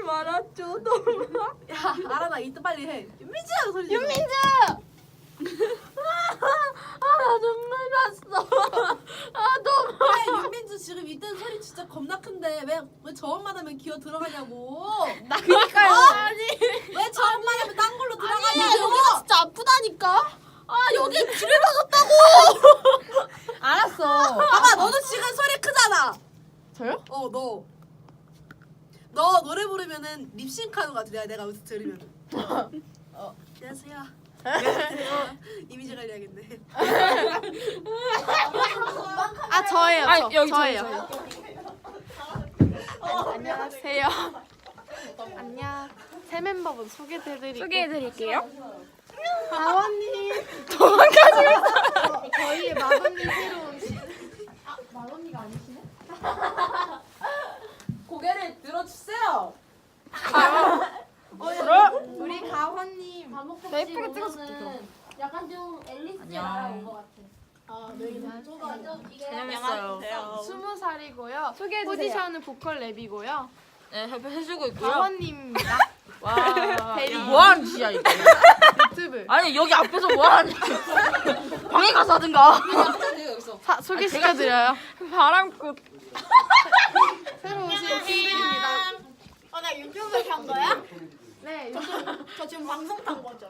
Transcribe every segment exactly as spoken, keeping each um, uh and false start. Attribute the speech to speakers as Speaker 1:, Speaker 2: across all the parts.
Speaker 1: 말았죠. 너무.
Speaker 2: 야 알아 나 이따 빨리 해. 윤민주 소리 질러.
Speaker 1: 윤민주. 아나 눈물 났어. 아 너무.
Speaker 2: 왜 윤민주 지금 이때는 소리 진짜 겁나 큰데 왜 왜 저음만 하면 기어 들어가냐고.
Speaker 1: 나 그니까요.
Speaker 2: 어?
Speaker 1: 아니.
Speaker 2: 왜 저음만 하면 딴 걸로
Speaker 1: 아니야
Speaker 2: 들어가냐고.
Speaker 1: 여기가 진짜 아프다니까. 아 여기 귀를 박았다고. 알았어.
Speaker 2: 봐봐 너도 지금 소리 크잖아.
Speaker 1: 저요?
Speaker 2: 어 너. 너 노래 부르면은 립싱크하는 거 같아. 내가 내가 여기서 들으면. 어 안녕하세요. 안녕하세요. 이미지 관리하겠네.
Speaker 1: 아 저예요.
Speaker 3: 아,
Speaker 1: 저.
Speaker 3: 여기
Speaker 1: 저예요.
Speaker 3: 저예요.
Speaker 1: 안녕하세요. 안녕. 새 멤버분 소개해드리고.
Speaker 3: 소개해드릴게요.
Speaker 1: 다원님.
Speaker 3: 도망가지 마.
Speaker 1: 저희의 마돈님 새로운 시. 아 마돈니가 아니시네?
Speaker 2: 고개를 들어주세요.
Speaker 1: 우리 가원님.
Speaker 3: 나 예쁘게 찍어줄게, 그럼.
Speaker 4: 약간 좀 앨리스 알아온 것 같아.
Speaker 1: 아 너희는
Speaker 4: 좀 이게
Speaker 3: 안녕하세요.
Speaker 1: 스무 살이고요.
Speaker 3: 소개해주세요.
Speaker 1: 포지션은 보컬 랩이고요.
Speaker 3: 네, 협회 해주고 있고요.
Speaker 1: 가원님입니다.
Speaker 3: 와,
Speaker 1: 대리.
Speaker 3: 뭐하는 짓이야 이거.
Speaker 1: 유튜브.
Speaker 3: 아니 여기 앞에서 뭐하는 방에 가서 하든가.
Speaker 1: 사, 소개시켜드려요.
Speaker 3: 바람꽃.
Speaker 1: 새로 오신 팬들입니다.
Speaker 4: 어, 나 유튜브 간 거야?
Speaker 1: 네, 요즘
Speaker 4: 저 지금 방송 탄 거죠?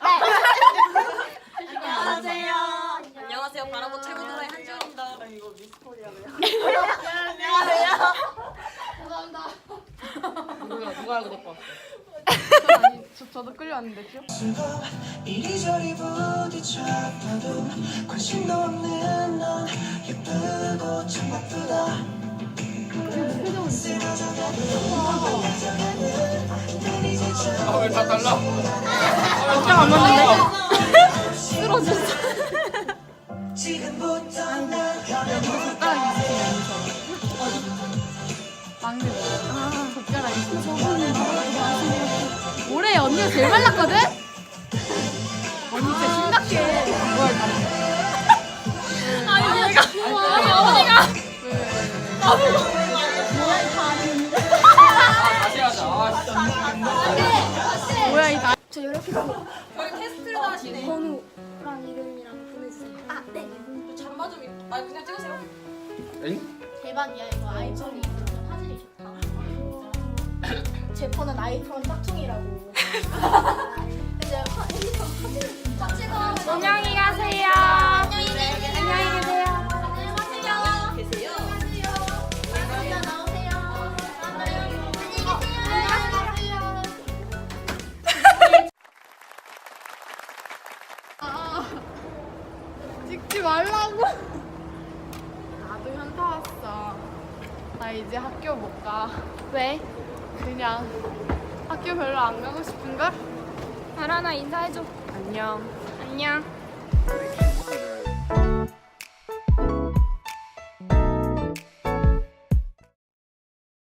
Speaker 2: 안녕하세요.
Speaker 4: 안녕하세요.
Speaker 2: 바람꽃 최고 노래 한지원입니다. 이거
Speaker 4: 감사합니다.
Speaker 3: 누가 누가 알고 데리고 왔어?
Speaker 1: 전 아니, 저, 저도 끌려왔는데요.
Speaker 5: 이리저리 부딪혀봐도 관심도 없는 넌 예쁘고 참 바쁘다.
Speaker 6: 왜 다 달라?
Speaker 3: 진짜 안 맞는데? 쓰러졌어.
Speaker 5: 지금부터 난
Speaker 1: 젓가락 있으시면 여기서. 막내 아, 젓가락 있으시면. 올해 언니가 제일 말랐거든? 언니 진짜 심각해.
Speaker 3: 아니 내가 아니 어머니가
Speaker 6: 다시 하자. 아, 진짜.
Speaker 1: 뭐야 이 나.
Speaker 4: 저 이렇게
Speaker 2: 저희 테스트를 하시네.
Speaker 4: 번호랑 이름이랑 보내주세요. 아, 네.
Speaker 2: 잠바 좀. 입- 아 그냥 찍으세요.
Speaker 6: 엥?
Speaker 4: 대박이야 이거 아이폰이 그러면 화질이 좋다. 제 폰은 아이폰 짝퉁이라고. 이제 화- 핸드폰 화질을 진짜 찍어.
Speaker 3: 안녕히 가세요.
Speaker 4: 안녕히 계세요.
Speaker 3: 안녕히 계세요.
Speaker 4: 안녕하세요.
Speaker 2: 계세요.
Speaker 4: 안녕하세요. 나오세요. 안녕히 계세요. 안녕하세요.
Speaker 1: 찍지 말라고. 나도 현타 왔어. 나 이제 학교 못 가.
Speaker 3: 왜?
Speaker 1: 그냥 학교 별로 안 가고 싶은걸?
Speaker 3: 바라나 인사해줘.
Speaker 1: 안녕.
Speaker 3: 안녕.